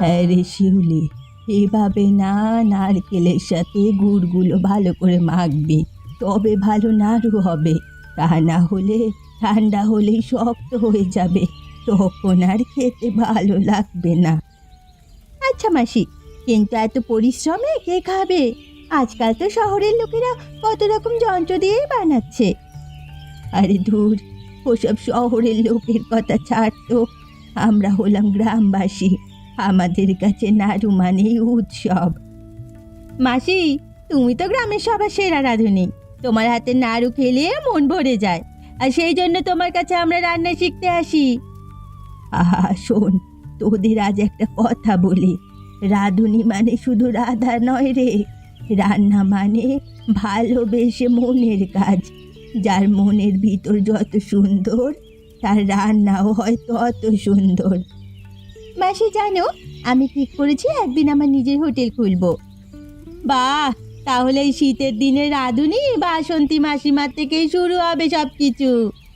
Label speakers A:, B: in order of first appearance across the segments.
A: হ্যাঁ রে শিউলি, এভাবে না, নারকেলের সাথে গুড়গুলো ভালো করে মাখবি, তবে ভালো নাড়ু হবে। তা না হলে ঠান্ডা হলেই শক্ত হয়ে যাবে, তখন আর খেতে ভালো লাগবে না। আচ্ছা মাসি, কিন্তু এত পরিশ্রমে কে খাবে? আজকাল তো শহরের লোকেরা কত রকম যন্ত্র দিয়েই বানাচ্ছে। আরে ধুর, ওসব শহরের লোকের কথা ছাড় তো। আমরা হলাম গ্রামবাসী, আমাদের কাছে নাড়ু মানেই উৎসব। মাসি, তুমি তো গ্রামের সবার সেরা রাঁধুনি, তোমার হাতে নাড়ু খেলে মন ভরে যায়, আর সেই জন্য তোমার কাছে আমরা রান্না শিখতে আসি। আহা শোন, তোদের আজ একটা কথা বলি, রাঁধুনি মানে শুধু রাধা নয় রে, রান্না মানে ভালোবেসে মনের কাজ। যার মনের ভিতর যত সুন্দর, তার রান্নাও হয় তত সুন্দর। মাসি জানো, আমি ঠিক করেছি একদিন আমার নিজের হোটেল খুলবো। বাহ, তাহলে এই শীতের দিনে রাঁধুনি বাসন্তী মাসিমার থেকেই শুরু হবে সব কিছু।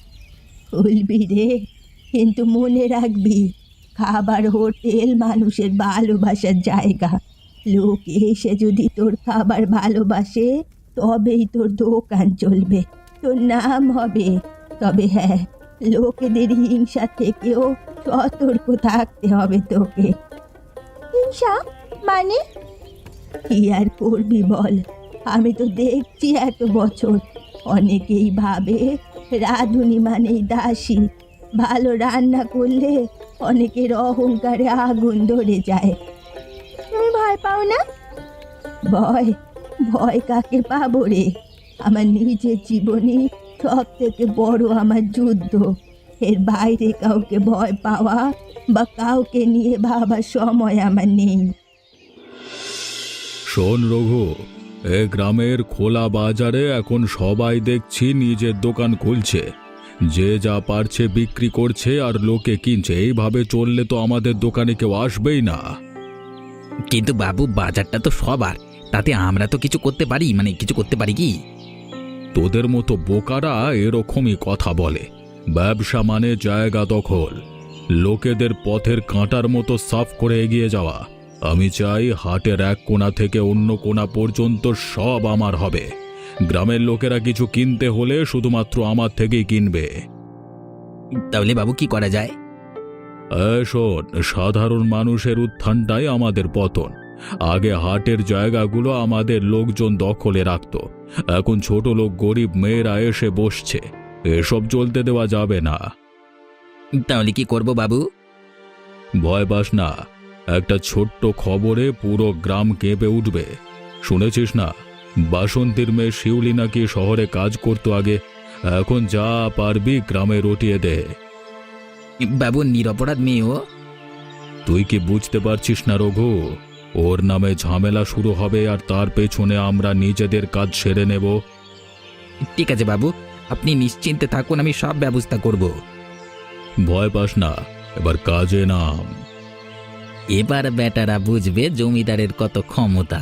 A: খুলবি রে, কিন্তু মনে রাখবি, খাবার হোটেল মানুষের ভালোবাসার জায়গা। লোক এসে যদি তোর খাবার ভালোবাসে, তবেই তোর দোকান চলবে, তোর নাম হবে। তবে হ্যাঁ, লোকেদের হিংসা থেকেও সতর্ক থাকতে হবে তোকে। হিংসা মানে? কি আর করবি বল, আমি তো দেখছি এত বছর অনেকেই ভাবে রাঁধুনি মানেই দাসী। ভালো রান্না করলে অনেকের অহংকারে আগুন ধরে যায়। তুমি ভয় পাও না? ভয়? ভয় কাকে পাবো রে? আমার নিজের জীবনই সব থেকে বড় আমার যুদ্ধ। এর বাইরে কাউকে ভয় পাওয়া বা কাউকে নিয়ে ভাবার সময় আমার নেই।
B: শোন রঘু, এ গ্রামের খোলা বাজারে এখন সবাই দেখছি নিজের দোকান খুলছে, যে যা পারছে বিক্রি করছে আর লোকে কিনছে। এইভাবে চললে তো আমাদের দোকানে কেউ আসবেই না।
C: কিন্তু বাবু, বাজারটা তো সবার, তাতে আমরা তো কিছু করতে পারি, মানে কিছু করতে পারি কি?
B: তোদের মতো বোকারা এরকমই কথা বলে। ব্যবসা মানে জায়গা দখল, লোকেদের পথের কাঁটার মতো সাফ করে এগিয়ে যাওয়া। আমি চাই হাটের এক কোণা থেকে অন্য কোণা পর্যন্ত সব আমার হবে। গ্রামের লোকেরা কিছু কিনতে হলে শুধুমাত্র আমার থেকেই কিনবে।
C: তাহলে বাবু কি করা যায়?
B: শোন, সাধারণ মানুষের উত্থানটাই আমাদের পতন। আগে হাটের জায়গাগুলো আমাদের লোকজন দখলে রাখত, এখন ছোট লোক গরিব মেয়েরা এসে বসছে। এসব চলতে দেওয়া যাবে না।
C: তাহলে কি করব বাবু?
B: ভয় পাস না, একটা ছোট্ট খবরে পুরো গ্রাম কেঁপে উঠবে। শুনেছিস না, বাসন্তীর মেয়ে শিউলি নাকি শহরে কাজ করতো আগে, এখন যা পারবি গ্রামে রটিয়ে দে।
C: বাবু, নিরপরাধ মেয়ে ও।
B: তুই কি বুঝতে পারছিস না রঘু? ওর নামে ঝামেলা শুরু হবে আর তার পেছনে আমরা নিজেদের কাজ সেরে নেব।
C: ঠিক আছে বাবু, আপনি নিশ্চিন্তে থাকুন, আমি সব ব্যবস্থা করব।
B: ভয় পাস না, এবার কাজে নাম।
C: এবার বেটারা বুঝবে জমিদারের কত ক্ষমতা।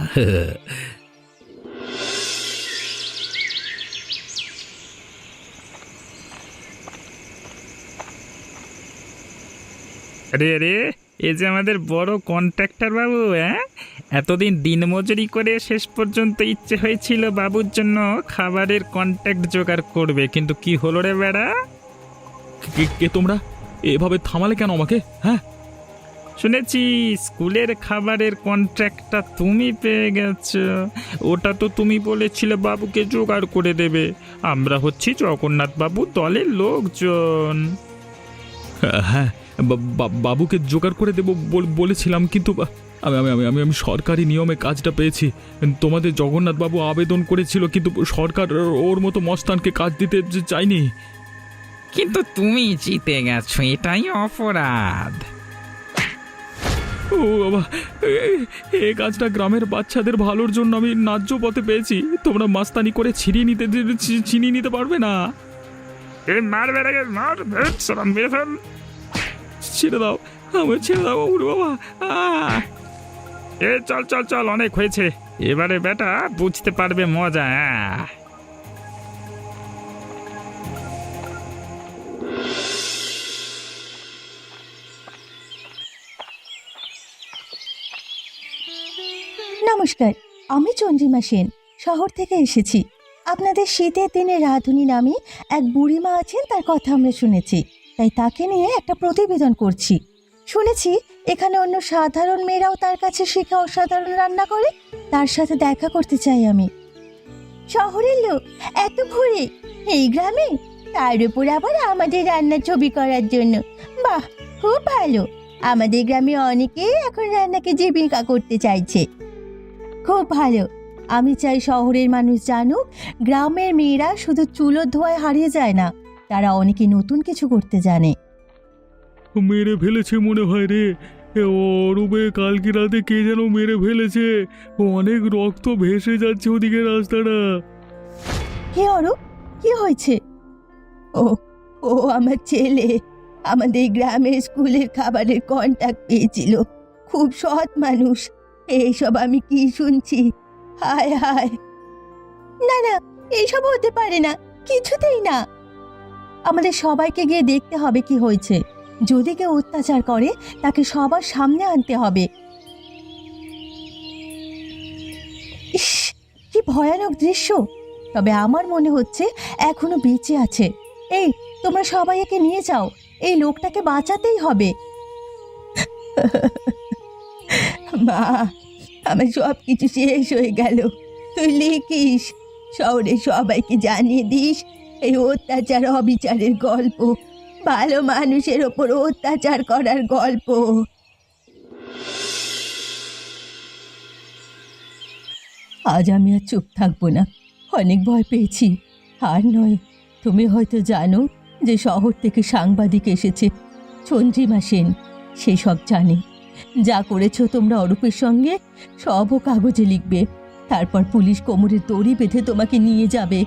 D: আরে আরে, এ যে আমাদের বড় কন্ট্রাক্টর বাবু। হ্যাঁ, এতদিন দিনমজুরি করে শেষ পর্যন্ত ইচ্ছে হয়েছিল বাবুর জন্য খাবারের কন্ট্রাক্ট জোগাড় করবে, কিন্তু কি হলো রে বেড়া?
B: কে তোমরা? এভাবে থামালে কেন আমাকে? হ্যাঁ,
D: শুনেছি স্কুলের খাবারের কন্ট্রাক্টটা তুমি পেয়ে গেছো। ওটা তো তুমি বলেছিলে বাবুকে জোগাড় করে দেবে। আমরা হচ্ছি জগন্নাথ বাবু দলের লোকজন।
B: হ্যাঁ, বাবুকে জোগাড় করে দেব বলেছিলাম, কিন্তু আমি আমি আমি আমি সরকারি নিয়মে কাজটা পেয়েছি। তোমাদের জগন্নাথ বাবু আবেদন করেছিল, কিন্তু সরকার ওর মতো মস্তানকে কাজ দিতে চায়নি।
D: কিন্তু তুমি জিতে গেছো, এটাই অপরাধ।
B: ও বাবা, এই কাজটা গ্রামের বাচ্চাদের ভালোর জন্য আমি ন্যায্য পথে পেয়েছি। তোমরা মাস্তানি করে ছিনিয়ে নিতে পারবে না।
D: মার বেড়াকে মার, মেরে ফেল।
B: ছেড়ে দাও, আমার ছেড়ে দাও বাবা।
D: চল চল চল, অনেক হয়েছে, এবারে বেটা বুঝতে পারবে মজা।
A: নমস্কার, আমি চন্দ্রিমা সেন, শহর থেকে এসেছি। আপনাদের শীতের দিনে রাঁধুনি নামে এক বুড়িমা আছেন, তার কথা আমরা শুনেছি, তাই তাকে নিয়ে একটা প্রতিবেদন করছি। শুনেছি এখানে অন্য সাধারণ মেয়েরাও তার কাছে শিখে অসাধারণ রান্না করে। তার সাথে দেখা করতে চাই আমি। শহরের লোক এত ভোরে এই গ্রামে, তার উপর আবার আমাদের রান্নার ছবি করার জন্য। বাহ, খুব ভালো। আমাদের গ্রামে অনেকেই এখন রান্নাকে জীবিকা করতে চাইছে। খুব ভালো। আমি চাই শহরের মানুষ জানুক গ্রামের মেয়েরা শুধু চুলো ধোয়ায় হারিয়ে যায় না, তারা অনেকে নতুন কিছু করতে জানে।
B: মেরে ফেলেছে মনে হয় রে। অরূপে কালকে রাতে কে যেন মেরে ফেলেছে। অনেক রক্ত ভেসে যাচ্ছে ওদিকে রাস্তাটা।
A: কে অরূপ? কি হয়েছে? ও ও আমার ছেলে আমাদের গ্রামের স্কুলের খাবারের কন্ট্যাক্ট পেয়েছিল। খুব সৎ মানুষ। এইসব আমি কি শুনছি? হায় হায়, না না, এইসব হতে পারে না, কিছুতেই না। আমাদের সবাইকে গিয়ে দেখতে হবে কি হয়েছে। যদি কেউ অত্যাচার করে তাকে সবার সামনে আনতে হবে। ইস, কি ভয়ানক দৃশ্য। তবে আমার মনে হচ্ছে এখনো বেঁচে আছে। এই, তোমরা সবাই একে নিয়ে যাও, এই লোকটাকে বাঁচাতেই হবে। মা, আমার সব কিছু শেষ হয়ে গেল। তুই লিখিস, শহরে সবাইকে জানিয়ে দিস এই অত্যাচার অবিচারের গল্প, ভালো মানুষের ওপর অত্যাচার করার গল্প। আজ আমি আর চুপ থাকবো না, অনেক ভয় পেয়েছি। আর নয়, তুমি হয়তো জানো যে শহর থেকে সাংবাদিক এসেছে, চন্দ্রিমা সেন। সে সব জানে। যা করেছো তোমরা অরূপের সঙ্গে সবও কাগজে লিখবে। তারপর পুলিশ কোমরে দড়ি বেঁধে তোমাকে নিয়ে যাবে।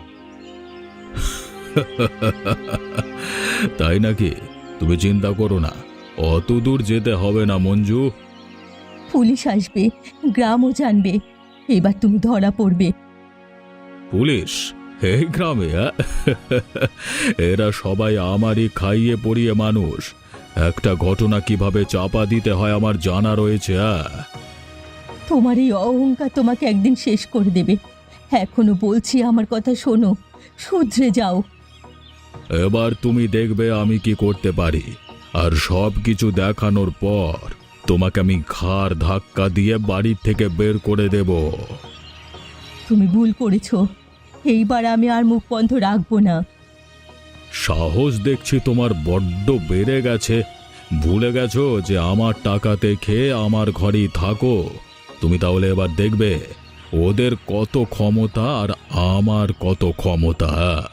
B: তাই নাকি? তুমি চিন্তা করো না, অত দূর যেতে হবে না মঞ্জু।
A: পুলিশ আসবে, গ্রামও জানবে, এবার তুমি ধরা পড়বে।
B: পুলিশ এই গ্রামে? এরা সবাই আমারই খাইয়ে পড়িয়ে মানুষ। একটা ঘটনা কিভাবে চাপা দিতে হয় আমার জানা রয়েছে।
A: তোমার এই অহংকার তোমাকে একদিন শেষ করে দেবে। এখনো বলছি, আমার কথা শোনো, শুধরে যাও।
B: এবার তুমি দেখবে আমি কি করতে পারি। আর সব কিছু দেখানোর পর তোমাকে আমি ঘাড় ধাক্কা দিয়ে বাড়ি থেকে বের করে দেব।
A: তুমি ভুল করেছো, এইবার আমি আর মুখ বন্ধ রাখবো না।
B: সাহস দেখছি তোমার বড্ড বেড়ে গেছে। ভুলে গেছো যে আমার টাকাতে খেয়ে আমার ঘরেই থাকো। তুমি তাহলে এবার দেখবে ওদের কত ক্ষমতা আর আমার কত ক্ষমতা।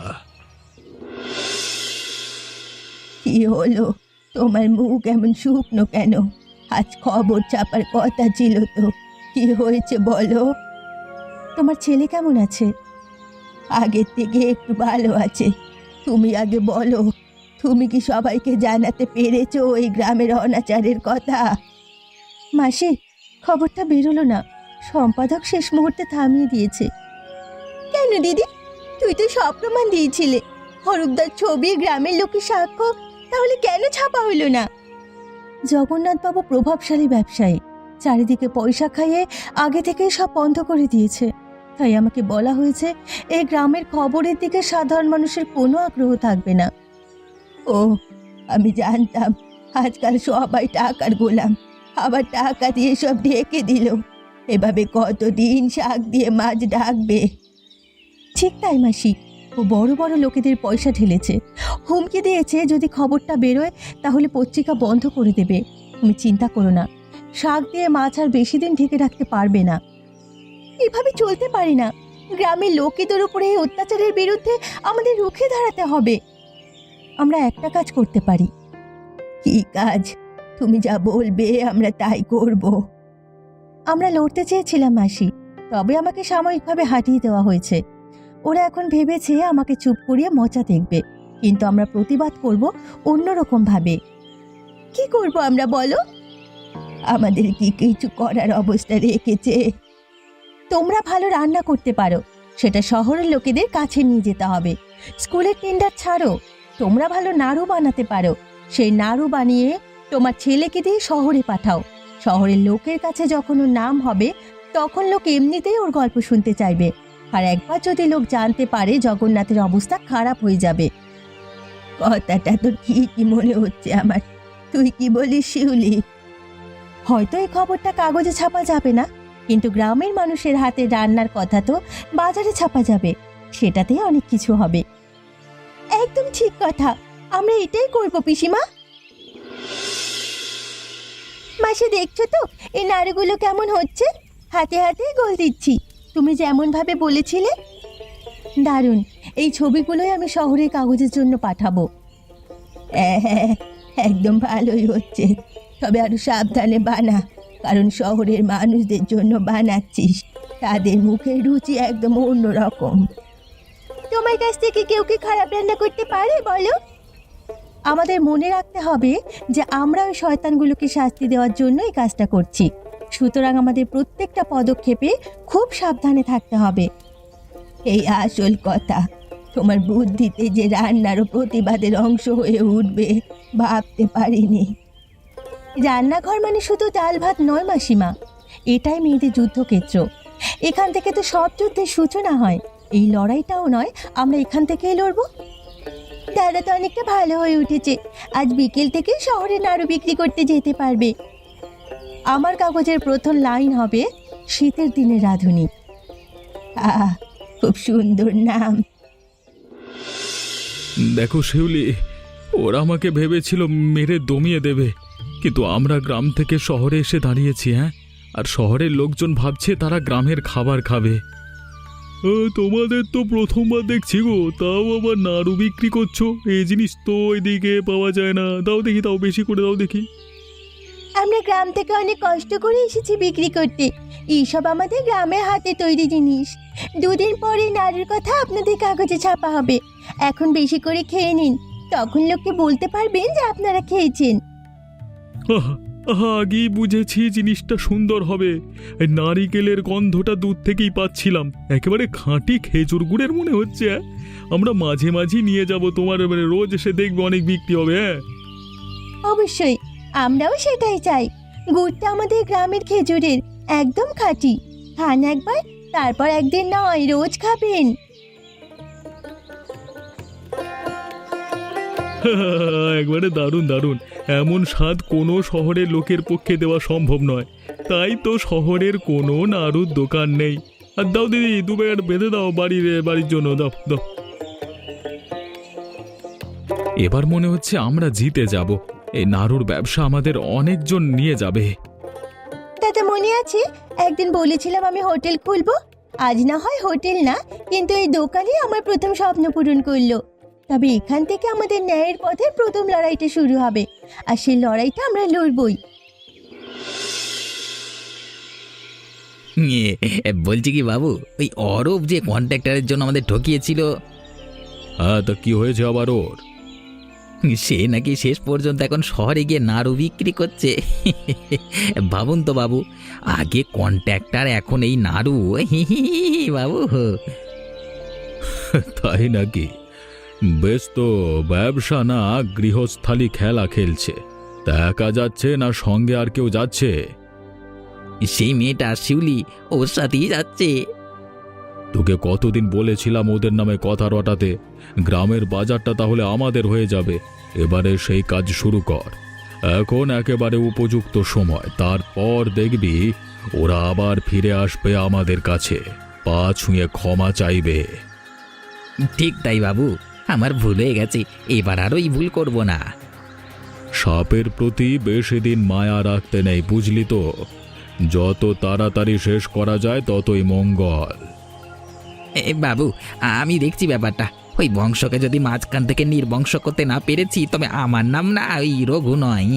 A: কি হলো, তোমার মুখ এমন শুকনো কেন? আজ খবর ছাপার কথা ছিল তো, কি হয়েছে বলো? তোমার ছেলে কেমন আছে? আগের থেকে একটু ভালো আছে। তুমি আগে বলো, তুমি কি সবাইকে জানাতে পেরেছো এই গ্রামের অনাচারের কথা? মাসি, খবরটা বেরোলো না, সম্পাদক শেষ মুহূর্তে থামিয়ে দিয়েছে। কেন দিদি? তুই তো সব প্রমাণ দিয়েছিলে, হরুপদার ছবি, গ্রামের লোকের সাক্ষ্য, তাহলে কেন ছাপা হলো না? জগন্নাথবাবু প্রভাবশালী ব্যবসায়ী, চারিদিকে পয়সা খাইয়ে আগে থেকেই সব বন্ধ করে দিয়েছে। তাই আমাকে বলা হয়েছে এই গ্রামের খবরের দিকে সাধারণ মানুষের কোনো আগ্রহ থাকবে না। ও, আমি জানতাম আজকাল সবাই টাকার গোলাম, আবার টাকা দিয়ে সব ঢেকে দিল। এভাবে কতদিন শাক দিয়ে মাছ ঢাকবে? ঠিক তাই মাসি, ও বড় বড় লোকেদের পয়সা ঢেলেছে, হুমকি দিয়েছে যদি খবরটা বেরোয় তাহলে পত্রিকা বন্ধ করে দেবে। তুমি চিন্তা করো না, শাক দিয়ে মাছ আর বেশি দিন ঢেকে রাখতে পারবে না। এভাবে চলতে পারি না। গ্রামের লোকেদের উপরে এই অত্যাচারের বিরুদ্ধে আমাদের রুখে দাঁড়াতে হবে। আমরা একটা কাজ করতে পারি। কি কাজ? তুমি যা বলবে আমরা তাই করব। আমরা লড়তে চেয়েছিলাম মাসি, তবে আমাকে সাময়িকভাবে হাঁটিয়ে দেওয়া হয়েছে। ওরা এখন ভেবেছে আমাকে চুপ করিয়ে মজা দেখবে, কিন্তু আমরা প্রতিবাদ করব অন্যরকম ভাবে। কি করব আমরা বলো? আমাদের কি কিছু করার অবস্থা রেখেছে? তোমরা ভালো রান্না করতে পারো, সেটা শহরের লোকেদের কাছে নিয়ে যেতে হবে। স্কুলের টেন্ডার ছাড়ো। তোমরা ভালো নাড়ু বানাতে পারো, সেই নাড়ু বানিয়ে তোমার ছেলেকে দিয়ে শহরে পাঠাও। শহরের লোকের কাছে যখন ওর নাম হবে তখন লোক এমনিতেই ওর গল্প শুনতে চাইবে। আর একবার যদি লোক জানতে পারে জগন্নাথের অবস্থা খারাপ হয়ে যাবে। কথাটা তো ঠিকই মনে হচ্ছে আমার। তুই কি বলিস শিউলি? হয়তো এই খবরটা কাগজে ছাপা যাবে না, কিন্তু গ্রামের মানুষের হাতে রান্নার কথা তো বাজারে ছাপা যাবে। সেটাতেই অনেক কিছু হবে। একদম ঠিক কথা, আমরা এটাই করবো পিসিমা। মাসে দেখছো তো এই নাড়ুগুলো কেমন হচ্ছে? হাতে হাতে গোল দিচ্ছি, তুমি যেমন ভাবে বলেছিলে। দারুণ, এই ছবিগুলোই আমি শহরের কাগজের জন্য পাঠাবো। হ্যাঁ হ্যাঁ, একদম ভালোই হচ্ছে। তবে আরো সাবধানে বানা, কারণ শহরের মানুষদের জন্য বানাচ্ছিস। তাদের মুখের রুচি একদম অন্যরকম। তোমার কাছ থেকে কেউ কি খারাপ রান্না করতে পারে বলো? আমাদের মনে রাখতে হবে যে আমরা ওই শয়তানগুলোকে শাস্তি দেওয়ার জন্য এই কাজটা করছি। সুতরাং আমাদের প্রত্যেকটা পদক্ষেপে খুব সাবধানে থাকতে হবে। এই আসল কথা। তোমার বুদ্ধিতে যে রান্নারও প্রতিবাদের অংশ হয়ে উঠবে ভাবতে পারিনি। রান্নাঘর মানে শুধু ডাল ভাত নয় মাসিমা, এটাই মেয়েদের যুদ্ধক্ষেত্র। এখান থেকে তো সব যুদ্ধের সূচনা হয়। এই লড়াইটাও নয়, আমরা এখান থেকেই লড়বো। দাদা তো অনেকটা ভালো হয়ে উঠেছে, আজ বিকেল থেকে শহরে নাড়ু বিক্রি করতে যেতে পারবে। আমার কাগজের প্রথম লাইন হবে শীতের দিনে রাঁধুনি। আহ, খুব সুন্দর নাম।
B: দেখো শিউলি, ওরা আমাকে ভেবেছিল মেরে দমিয়ে দেবে, কিন্তু আমরা গ্রাম থেকে শহরে এসে দাঁড়িয়েছি। হ্যাঁ, আর শহরের লোকজন ভাবছে তারা গ্রামের খাবার খাবে। তোমাদের তো প্রথমবার দেখছি গো, তাও আবার নাড়ু বিক্রি করছো। এই জিনিস তো এদিকে পাওয়া যায় না। দাও দেখি, তাও বেশি করে দাও দেখি।
A: আমরা গ্রাম থেকে অনেক কষ্ট করে এসেছি বিক্রি করতে। এইসব আমাদের গ্রামের হাতে তৈরি জিনিস। দুদিন পরে নাড়ুর কথা আপনাদের কাগজে ছাপা হবে। এখন বেশি করে খেয়ে নিন, তখন লোককে বলতে পারবেন যে আপনারা খেয়েছেন।
B: আগেই বুঝেছি জিনিসটা সুন্দর হবে। এই নারিকেলের গন্ধটা দূর থেকেই পাচ্ছিলাম, একেবারে খাঁটি খেজুর গুড়ের মনে হচ্ছে। আমরা মাঝে মাঝে নিয়ে যাব, তোমার রোজ এসে দেখবে অনেক বিক্রি হবে। হ্যাঁ
A: অবশ্যই, আমরাও সেটাই চাই। গুড়টা আমাদের গ্রামের খেজুরের, একদম খাঁটি। খান একবার, তারপর একদিন নয়, রোজ খাবেন।
B: একবারে দারুণ দারুণ। এমন স্বাদ কোনো শহরের লোকের পক্ষে দেওয়া সম্ভব নয়। তাই তো শহরের কোনো নাড়ুর দোকান নেই। আর দাও দিদি, 2 প্যাকেট বেঁধে দাও বাড়ির জন্য। দাও দাও। এবার মনে হচ্ছে আমরা জিতে যাব। এই নাড়ুর ব্যবসা আমাদের অনেকজন নিয়ে যাবে।
A: দাদা মনে আছে একদিন বলেছিলাম আমি হোটেল খুলবো? আজ না হয় হোটেল না, কিন্তু এই দোকানই আমার প্রথম স্বপ্ন পূরণ করলো। তবে এখান থেকে আমাদের ন্যায়ের পথে প্রথম লড়াইটা শুরু হবে, আর সেই লড়াইটা আমরা লড়বই।
C: বলছি কি বাবু, ওই অরূপ যে কন্ট্রাক্টরের জন্য আমাদের ঠকিয়েছিল,
B: হ্যাঁ, তা কি হয়েছে আবার ওর?
C: সে নাকি শেষ পর্যন্ত এখন শহরে গিয়ে নাড়ু বিক্রি করছে। ভাবুন তো বাবু, আগে কন্ট্রাক্টর, এখন এই নাড়ু। বাবু,
B: তাই নাকি? বেশ তো, ব্যবসা না গৃহস্থালী খেলা খেলছে। তা একা যাচ্ছে না সঙ্গে আর কেউ যাচ্ছে?
C: সেই মেয়েটা শিউলি ওর সাথেই যাচ্ছে।
B: তোকে কতদিন বলেছিলাম ওদের নামে কথা রটাতে। গ্রামের বাজারটা তাহলে আমাদের হয়ে যাবে। এবারে সেই কাজ শুরু কর। এখন একেবারে উপযুক্ত সময়। তারপর দেখবি ওরা আবার ফিরে আসবে আমাদের কাছে, পা ছুঁয়ে ক্ষমা চাইবে।
C: ঠিক তাই বাবু, আমার ভুল হয়ে গেছে, এবার আর ওই ভুল করব না।
B: সাপের প্রতি বেশি দিন মায়া রাখতে নেই, বুঝলি তো? যত তাড়াতাড়ি শেষ করা যায় ততই মঙ্গল।
C: বাবু, আমি দেখছি ব্যাপারটা। ওই বংশকে যদি মাঝখান থেকে নির্বংশ করতে না পেরেছি, তবে আমার নাম না ওই রঘু নয়।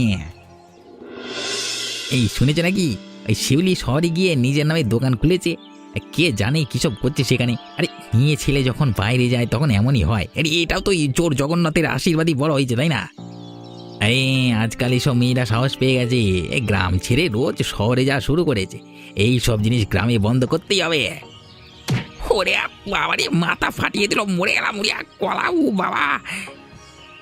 C: এই শুনেছে নাকি ওই শিউলি শহরে গিয়ে নিজের নামে দোকান খুলেছে? কে জানে কিসব করছে সেখানে। আরে নিয়ে ছেলে যখন বাইরে যায় তখন এমনই হয়। আরে এটাও তো চোর জগন্নাথের আশীর্বাদই বড় হয়েছে, তাই না? এই আজকাল এইসব মেয়েরা সাহস পেয়ে গেছে, গ্রাম ছেড়ে রোজ শহরে যাওয়া শুরু করেছে। এই সব জিনিস গ্রামে বন্ধ করতেই হবে। ওরে বাবারে, মাথা ফাটিয়ে দিল, মরে গেলাম, মরিয়া কলাউ বাবা।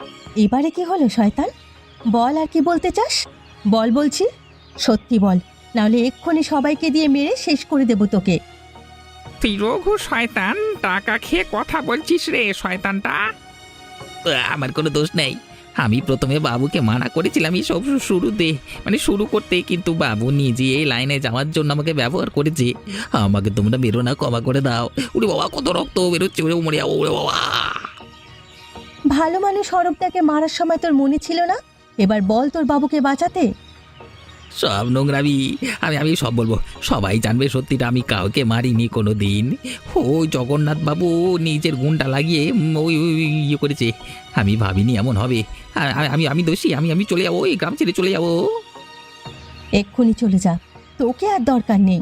A: এবারে কি হলো শয়তান? বল, আর কি বলতে চাস? বল বলছি, সত্যি বল। নাহলে এক্ষুনি সবাইকে দিয়ে মেরে শেষ করে দেবো তোকে।
D: তুই রঘু শয়তান, টাকা খেয়ে কথা বলছিস রে শয়তানটা।
C: আমার কোনো দোষ নেই। আমি প্রথমে বাবুকে মানা করেছিলাম এই সব শুরুতে, মানে শুরু করতে, কিন্তু বাবু নিজে এই লাইনে যাওয়ার জন্য আমাকে ব্যবহার করেছে। আমাকে তোমরা বেরো না, ক্ষমা করে দাও। উরে বাবা, কত রক্ত বেরোচ্ছে, ওরে মরে যাবো, ওরে বাবা।
A: ভালো মানুষ অরূপদাকে মারার সময় তোর মনে ছিল না? এবার বল তোর বাবুকে বাঁচাতে।
C: সব নোংরামি, আমি সব বলবো, সবাই জানবে সত্যিটা। আমি কাউকে মারিনি কোনো দিন। ওই জগন্নাথ বাবু নিজের গুণটা লাগিয়ে ওই ইয়ে করেছে। আমি ভাবিনি এমন হবে। আমি দোষী। আমি চলে যাবো, এই গ্রাম ছেড়ে চলে যাবো।
A: এক্ষুনি চলে যা, তোকে আর দরকার নেই।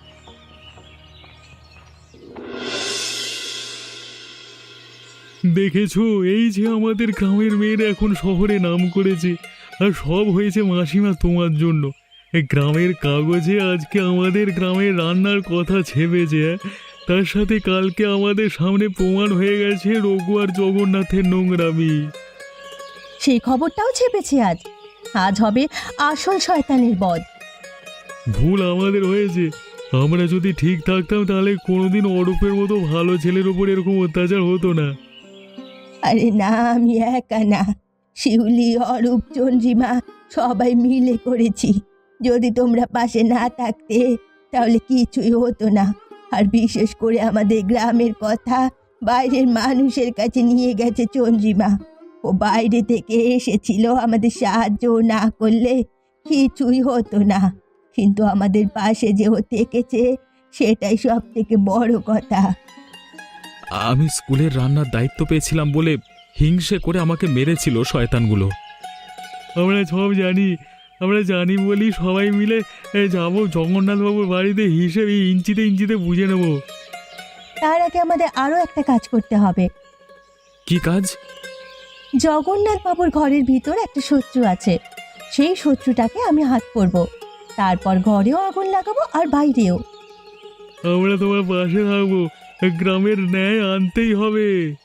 B: দেখেছো, এই যে আমাদের গ্রামের মেয়েরা এখন শহরে নাম করেছে, আর সব হয়েছে মাসিমা তোমার জন্য। এই গ্রামের কাগজে আজকে আমাদের গ্রামের রান্নার কথা ছেপেছে, তার সাথে কালকে আমাদের সামনে প্রমাণ হয়ে গেছে রঘু আর জগন্নাথের নোংরামি।
A: সেই খবরটাও ছেপেছে আজ। আজ হবে আসল শয়তানের বধ।
B: ভুল আমাদের হয়েছে। আমরা যদি ঠিক থাকতাম তাহলে কোনোদিন অরূপের মতো ভালো ছেলের উপর এরকম অত্যাচার হতো না।
A: আরে না, আমি একা না, শিউলি, অরূপ, চন্দ্রিমা সবাই মিলে করেছি। যদি তোমরা পাশে না থাকতে তাহলে কিছুই হতো না। আর বিশেষ করে আমাদের গ্রামের কথা বাইরের মানুষের কাছে নিয়ে গেছে চন্দ্রিমা। ও বাইরে থেকে এসেছিল, আমাদের সাহায্য না করলে কিছুই হতো না। কিন্তু আমাদের পাশে যে ও থেকেছে সেটাই সব থেকে বড় কথা।
B: আমি স্কুলের রান্নার দায়িত্ব পেয়েছিলাম বলে হিংসে করে আমাকে মেরেছিল শয়তানগুলো। আমরা সব জানি, আমরা জানি বলি সবাই মিলে যাবো জগন্নাথবাবুর বাড়িতে, হিসেবে ইঞ্চিতে ইঞ্চিতে বুঝে নেব।
A: তার আগে আমাদের আরও একটা কাজ করতে হবে।
B: কি কাজ?
A: জগন্নাথ বাবুর ঘরের ভিতর একটা শত্রু আছে, সেই শত্রুটাকে আমি হাত করব। তারপর ঘরেও আগুন লাগাবো আর বাইরেও।
B: আমরা তোমার পাশে থাকবো, গ্রামের ন্যায় আনতেই হবে।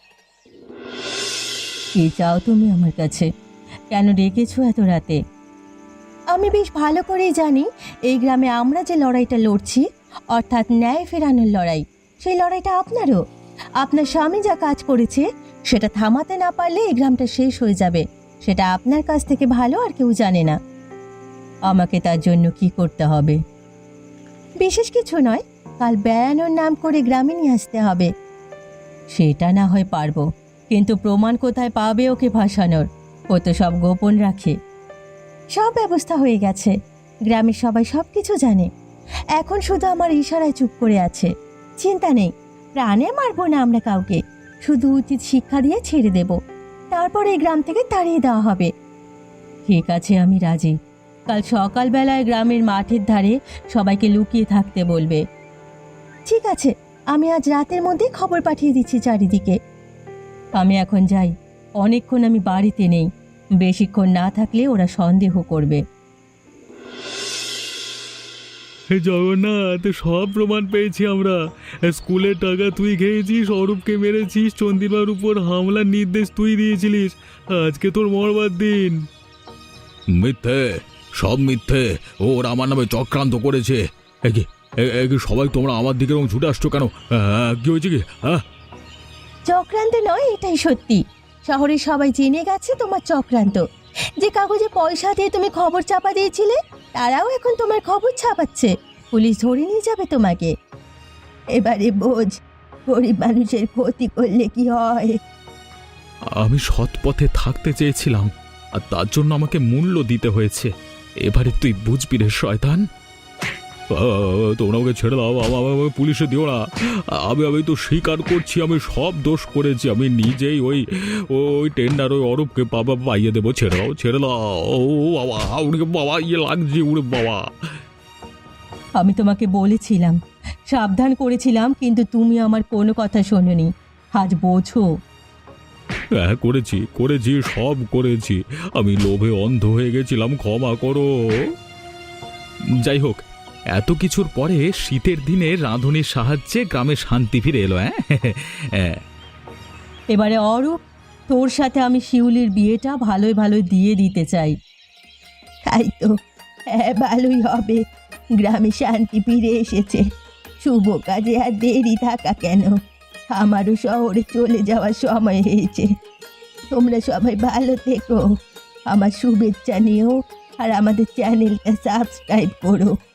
A: কি চাও তুমি আমার কাছে? কেন ডেকেছো এত রাতে? আমি বেশ ভালো করেই জানি এই গ্রামে আমরা যে লড়াইটা লড়ছি, অর্থাৎ ন্যায় ফেরানোর লড়াই, সেই লড়াইটা আপনারও। আপনার স্বামী যা কাজ করেছে সেটা থামাতে না পারলে এই গ্রামটা শেষ হয়ে যাবে। সেটা আপনার কাছ থেকে ভালো আর কেউ জানে না। আমাকে তার জন্য কি করতে হবে? বিশেষ কিছু নয়, কাল বেড়ানোর নাম করে গ্রামে নিয়ে আসতে হবে। সেটা না হয় পারবো, কিন্তু প্রমাণ কোথায় পাবে ওকে ভাসানোর? ও তো সব গোপন রাখে। সব ব্যবস্থা হয়ে গেছে, গ্রামের সবাই সব কিছু জানে। এখন শুধু আমার ইশারায় চুপ করে আছে। চিন্তা নেই, প্রাণে মারবো না আমরা কাউকে, শুধু উচিত শিক্ষা দিয়ে ছেড়ে দেব। তারপর এই গ্রাম থেকে তাড়িয়ে দেওয়া হবে। ঠিক আছে, আমি রাজি। কাল সকালবেলায় গ্রামের মাঠের ধারে সবাইকে লুকিয়ে থাকতে বলবে। ঠিক আছে, আমি আজ রাতের মধ্যে খবর পাঠিয়ে দিচ্ছি চারিদিকে। আমি এখন যাই, অনেকক্ষণ আমি বাড়িতে নেই। বেশিক্ষণ না থাকলে ওরা সন্দেহ করবে।
B: জগন্নাথ, সব প্রমাণ পেয়েছি আমরা। স্কুলের টাকা তুই খেয়েছিস, অরূপকে মেরেছিস, চন্দিমার উপর হামলার নির্দেশ তুই দিয়েছিলিস। আজকে তোর মরবার দিন। মিথ্যে, সব মিথ্যে। ওরা আমার নামে চক্রান্ত করেছে। সবাই তোমরা আমার দিকে এরকম ছুটে আসছো কেন? কি হয়েছে কি?
A: চক্রান্ত নয়, এটাই সত্যি। শহরে সবাই জেনে গেছে তোমার চক্রান্ত। যে কাগজে পয়সা দিয়ে তুমি খবর চাপা দিয়েছিলে, তারাও এখন তোমার খবর ছাপাচ্ছে। পুলিশ ধরে নিয়ে যাবে তোমাকে। এবারে বোঝ, গরিব মানুষের ক্ষতি করলে কি হয়।
B: আমি সৎ পথে থাকতে চেয়েছিলাম, আর তার জন্য আমাকে মূল্য দিতে হয়েছে। এবারে তুই বুঝবি রে শয়তান। তোমরা আমাকে ছেড়ে দাও, আমাকে পুলিশে দিও না। আমি তো স্বীকার করছি, আমি সব দোষ করেছি। আমি নিজেই ওই টেন্ডার ওই অরূপকে পাইয়ে দেবো। ছেড়ে দাও, ছেড়ে দাও। ও বাবা, উড়ে বাবা, ইয়ে লাগছে, উড়ে বাবা।
A: আমি তোমাকে বলেছিলাম, সাবধান করেছিলাম, কিন্তু তুমি আমার কোনো কথা শোনোনি। আজ বোঝো।
B: হ্যাঁ, করেছি, সব করেছি। আমি লোভে অন্ধ হয়ে গেছিলাম, ক্ষমা করো। যাই হোক, এত কিছুর পরে শীতের দিনে রাঁধুনির সাহায্যে গ্রামে শান্তি ফিরে এলো। হ্যাঁ,
A: এবারে অরূপ, তোর সাথে আমি শিউলির বিয়েটা ভালোই ভালোই দিয়ে দিতে চাই। তাই তো, হ্যাঁ, ভালোই হবে। গ্রামে শান্তি ফিরে এসেছে। শুভ কাজে আর দেরি থাকা কেন? আমারও শহরে চলে যাওয়ার সময় হয়েছে। তোমরা সবাই ভালো থেকো। আমার শুভেচ্ছা নিও আর আমাদের চ্যানেলটা সাবস্ক্রাইব করো।